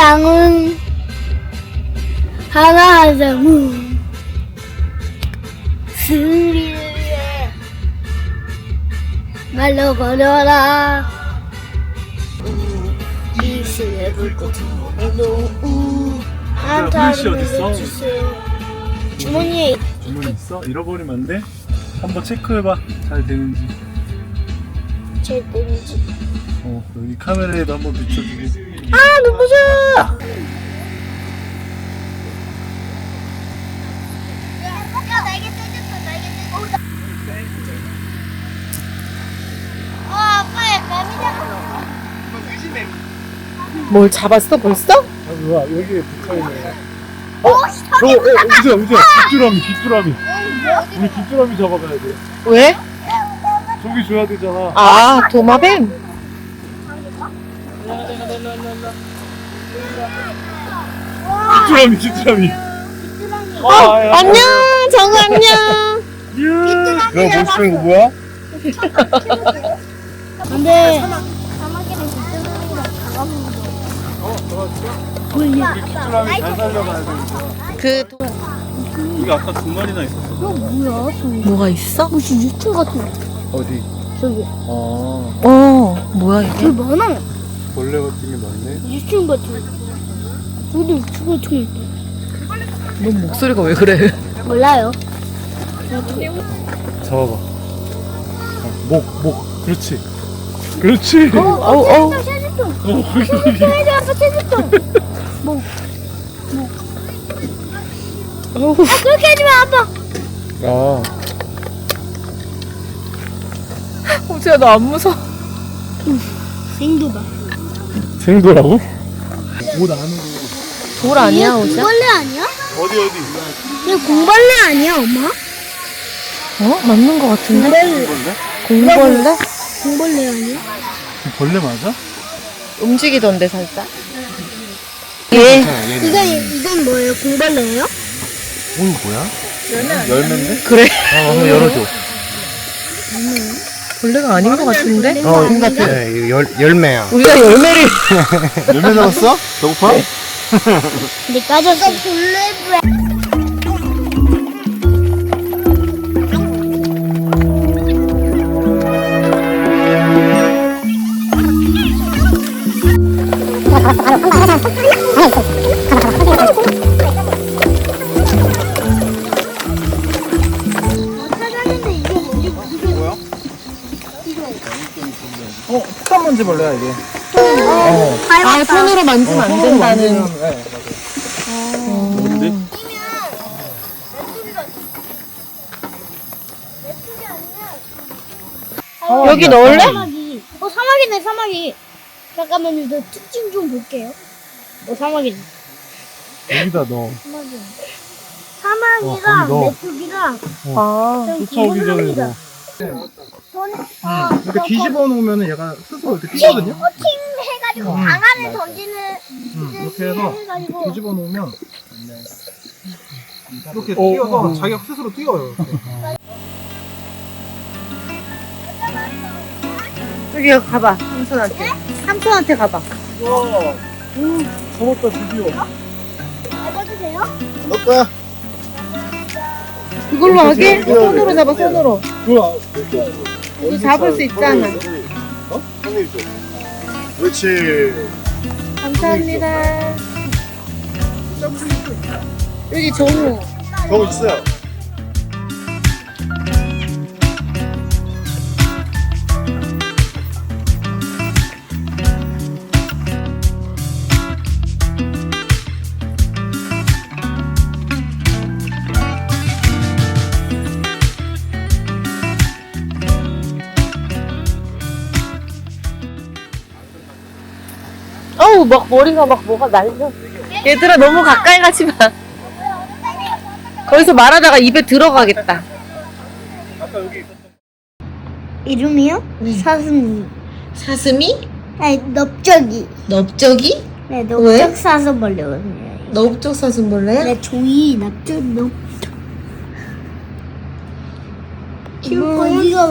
양은 하나 하자무 스리를 위해 말로 걸어라 이 시의 불꽃으로 후레쉬 어딨어? 주세요. 주머니에 주머니 있어? 잃어버리면 안 돼? 한번 체크해봐. 잘 되는지. 제 땡지. 여기 카메라에도 한번 비춰주고. 아 눈부셔. 날개 뜯었어. 날개 뜯었어. 아빠의 뱀이 잡았어. 뭘 잡았어 벌써? 뭐야, 여기에 붙어있네. 우주야, 귀뚜라미. 우리 귀뚜라미 잡아가야 돼. 왜? 저기 줘야 되잖아. 아 도마뱀? 귀뚜라미. 안녕 정우 안녕. 내가 못 쓰는 거 뭐야? 근데 사막에는 귀뚜라미랑 잡아먹는 우리 귀뚜라미 잘 살려가야 돼. 그 여기 아까 2마리나 있었어. 뭐야? 뭐가 있어? 무슨 유충 같은 거. 어디? 저기. 뭐야 저기 많아. 벌레 같은 게 많네. 유충 같은 거. 저기도 유충 같은 거 있다. 너 목소리가 왜 그래? 몰라요. 잡아봐. 목. 그렇지. 그렇지. 체질통. 체질통. 아빠 체질통. 뭐. 그렇게 하지 마 아빠. 호주야 너 안 무서워? 생도다. 생도라고? 옷 안으로. 돌 아니야 호주야? 공벌레 아니야? 어디? 이거 공벌레 아니야 엄마? 맞는 거 같은데? 공벌레. 공벌레? 공벌레 아니야? 벌레 맞아? 움직이던데 살짝. 이건 뭐예요? 공벌레예요? 뭐야? 열매인데? 그래? 한번 열어줘. 벌레가 아닌 거 같은데? 같아. 네, 열매야. 우리가 열매를 열매 잡았어? 배고파? 근데 까졌어. 벌레. 찾았는데 이게 뭐야? 폭탄 먼지 벌레야 이게. 아 손으로 만지면 안 된다는. 뭔데? 여기 넣을래? 사마귀. 사마귀네 사마귀. 잠깐만요. 저 특징 좀 볼게요. 사마귀네. 여기다 넣어. 사마귀. 거기 사마귀랑 넣어. 메뚜기랑 아 쫓아오기 전에 넣어. 이렇게 뒤집어 놓으면 얘가 스스로 이렇게 뛰거든요. 팅 해가지고 방 안에 던지는 이렇게 해서 해가지고 뒤집어 놓으면 이렇게 뛰어서 자기가 스스로 뛰어요. 이렇게. 저기 가봐 삼촌한테. 삼촌한테 가봐. 잡았다 드디어. 잡아주세요. 넣을까? 그걸로 하게? 손으로 잡아 손으로. 좋아. 이제 잡을 수 있잖아. 그렇지. 감사합니다. 여기 정우. 저거 있어요. 어우 막 머리가 막 뭐가 날려. 얘들아 너무 가까이 가지 마. 거기서 말하다가 입에 들어가겠다. 이름이요? 사슴. 사슴이? 아니 넓적이. 넓적이? 네, 왜? 넓적 사슴벌레거든요. 넓적 사슴벌레야? 네, 종이 넓적. 키울 거야?